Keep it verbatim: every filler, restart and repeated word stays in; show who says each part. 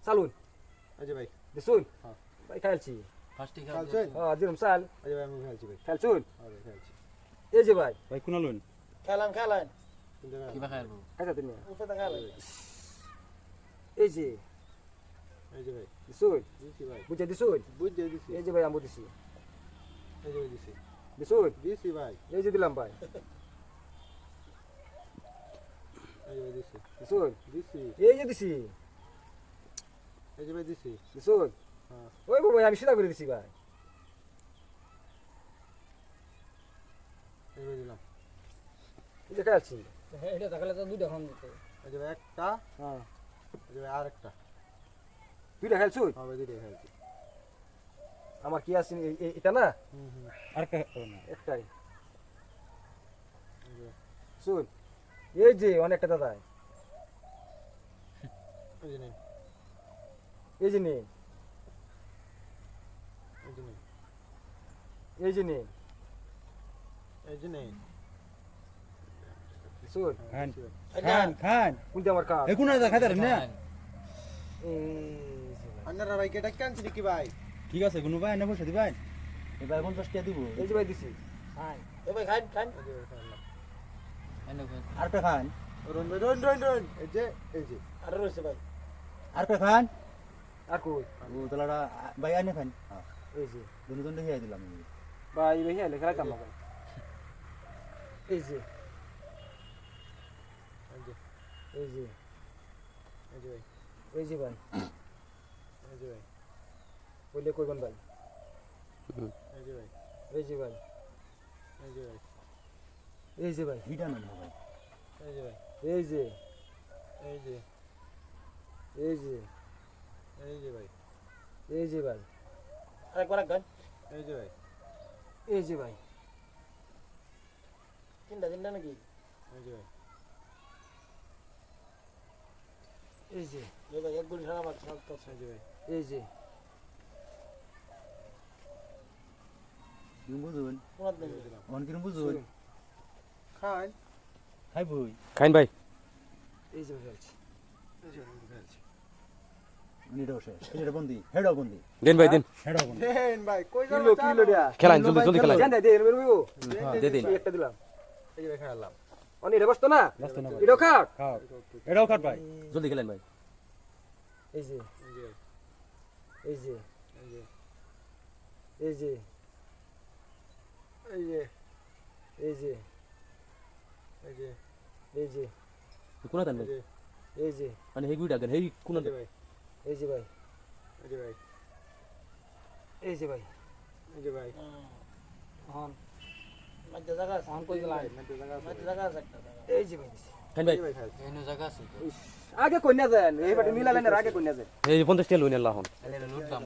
Speaker 1: চালুন
Speaker 2: এই যে ভাই
Speaker 1: দিছুন
Speaker 2: হ্যাঁ
Speaker 1: ভাই খেলছি
Speaker 3: ফার্স্টে
Speaker 2: খেলছেন
Speaker 1: হ্যাঁ দিলাম চাল
Speaker 2: এই যে ভাই আমি খেলছি ভাই
Speaker 1: খেলছুন
Speaker 2: হ্যাঁ ভাই খেলছি
Speaker 1: এই যে ভাই
Speaker 4: ভাই কোনা লইন
Speaker 5: খেলাম খেলাম
Speaker 2: কিন্তু ভাই
Speaker 3: কিবা খাইবো
Speaker 1: খাইছা তুমি
Speaker 5: উপরে খেলাম
Speaker 1: এই যে
Speaker 2: এই যে ভাই
Speaker 1: দিছুন
Speaker 2: দিছি ভাই
Speaker 1: বুঝে দিছুন
Speaker 2: বুঝে দিছি
Speaker 1: এই যে ভাই আমি দিছি
Speaker 2: এই যে ভাই দিছি
Speaker 1: দিছুন
Speaker 2: দিছি ভাই
Speaker 1: এই যে দিলাম ভাই
Speaker 2: এই যে ভাই দিছি
Speaker 1: দিছুন
Speaker 2: দিছি
Speaker 1: এই যে দিছি
Speaker 2: এই যে ভাই দিছি
Speaker 1: দিছুন
Speaker 2: হ্যাঁ
Speaker 1: ওই বাবা আমি সিধা করে দিছি ভাই
Speaker 2: এই যে ভাই দিলাম
Speaker 1: এই যে খেলছি
Speaker 5: হ্যাঁ এটা দেখালে তো দুইটা খাম দিতে
Speaker 2: এই যে ভাই একটা
Speaker 1: হ্যাঁ
Speaker 2: এই যে ভাই আরেকটা
Speaker 1: দুইটা খেলছুন
Speaker 2: হ্যাঁ ভাই দুইটাই খেলছি
Speaker 1: আমার কি আছে এ- এ- এটা না
Speaker 2: হুম হুম
Speaker 4: আর কা না
Speaker 1: একটাই
Speaker 2: এই যে
Speaker 1: শুন এই যে অনেকটা দাদা
Speaker 2: এই যে নেন
Speaker 1: এই যে নেই
Speaker 2: এই যে নেন
Speaker 1: এই যে নেই
Speaker 2: এই যে নেন
Speaker 1: শুন
Speaker 4: খান
Speaker 2: দিছি ভাই।
Speaker 4: খান খান
Speaker 1: কোনটা আমার কাজ
Speaker 4: এই কোনা দা খাইতার না
Speaker 1: এই যে ভাই।
Speaker 2: আপনারা ভাই কেটা কানছি নাকি ভাই
Speaker 4: ঠিক আছে কোনো ভাই না পয়সা দিবেন এই ভাই পঞ্চাশ টাকা দিব
Speaker 1: এই যে ভাই দিছি
Speaker 5: খাই এ ভাই খাই খাই
Speaker 2: এই যে ভাই খেললাম
Speaker 3: এনে
Speaker 4: আরেকটা খান
Speaker 2: রন ভাই রন রন রন এই যে এই যে
Speaker 5: আর রয়েছে ভাই
Speaker 4: আরেকটা খান
Speaker 1: আর কই
Speaker 4: ও তালাটা ভাই আনে খান হ্যাঁ
Speaker 1: এই যে
Speaker 4: দুনো জন দেখিয়ে দিলাম
Speaker 1: ভাই ভাই হেলে খেলা কাম ভাই এই যে
Speaker 2: এই যে
Speaker 1: এই যে
Speaker 2: এই যে ভাই
Speaker 1: এই যে ভাই
Speaker 2: এই যে ভাই
Speaker 1: বললে কইবেন ভাই
Speaker 2: এই যে ভাই
Speaker 1: এই যে ভাই
Speaker 2: এই যে ভাই
Speaker 1: এই যে ভাই
Speaker 4: ভিটা না ভাই
Speaker 2: এই যে ভাই
Speaker 1: এই যে
Speaker 2: এই যে
Speaker 1: এই যে
Speaker 2: এই যে ভাই
Speaker 1: এই যে ভাই
Speaker 5: আরেকবার গান
Speaker 2: এই যে ভাই
Speaker 1: এই যে ভাই
Speaker 5: তিনটা তিনটা নাকি
Speaker 2: এই যে ভাই
Speaker 1: এই যে
Speaker 5: এ ভাই এক গুলি সারা মাছ সব তো
Speaker 2: এই যে ভাই
Speaker 1: এই যে
Speaker 4: তুমি বুঝুন
Speaker 5: কোন দিন
Speaker 4: অন কিরম বুঝুন
Speaker 2: খান
Speaker 4: খাই বই
Speaker 1: খাইন ভাই এই যে খেলছি
Speaker 2: এই যে ভাই খেলছি
Speaker 4: নিডো শেষ এটা বন্দি হেডও বন্দি
Speaker 1: দেন ভাই দেন
Speaker 4: হেডও বন্দি
Speaker 2: দেন ভাই কই গেল
Speaker 1: কিলো কিলো দিয়া
Speaker 6: খেলান জলদি জলদি খেলান
Speaker 1: জান দে দে মেরবো
Speaker 6: দে দিন
Speaker 1: একটা দিলাম
Speaker 2: এই যে ভাই খেলাম
Speaker 1: অনি রে বসতো না
Speaker 4: ব্যস্ত না ভাই
Speaker 1: এটাও খাও
Speaker 4: খাও এটাও খাট ভাই
Speaker 6: জলদি খেলেন ভাই
Speaker 1: এই যে
Speaker 2: এই যে
Speaker 1: এই যে
Speaker 2: এই যে
Speaker 1: এই যে
Speaker 2: এই যে
Speaker 1: এই যে
Speaker 2: এই যে
Speaker 1: এই যে
Speaker 6: কোনা দেন
Speaker 2: এই
Speaker 6: ভাই
Speaker 2: যে
Speaker 1: এই যে
Speaker 6: মানে হেই গুইডা দেন হেই কোনা
Speaker 2: এই যে
Speaker 6: দেন
Speaker 2: ভাই
Speaker 1: এই যে ভাই
Speaker 2: এই যে ভাই
Speaker 1: এই যে ভাই
Speaker 2: এই যে ভাই
Speaker 1: হন
Speaker 5: মধ্যে জায়গা আছে
Speaker 1: হন কই গেলাম
Speaker 2: মধ্যে জায়গা আছে
Speaker 5: মধ্যে জায়গা আছে একটা
Speaker 1: এই যে ভাই
Speaker 6: খাইন ভাই
Speaker 2: এই ভাই খেলছি
Speaker 3: এনে জায়গা আছে তো
Speaker 1: আগে কইনা দেন এই বাটে মিলালেন আগে কইনা দেন
Speaker 6: এই পঞ্চাশ টাকা লইন আল্লাহ হন
Speaker 3: এনে লুটলাম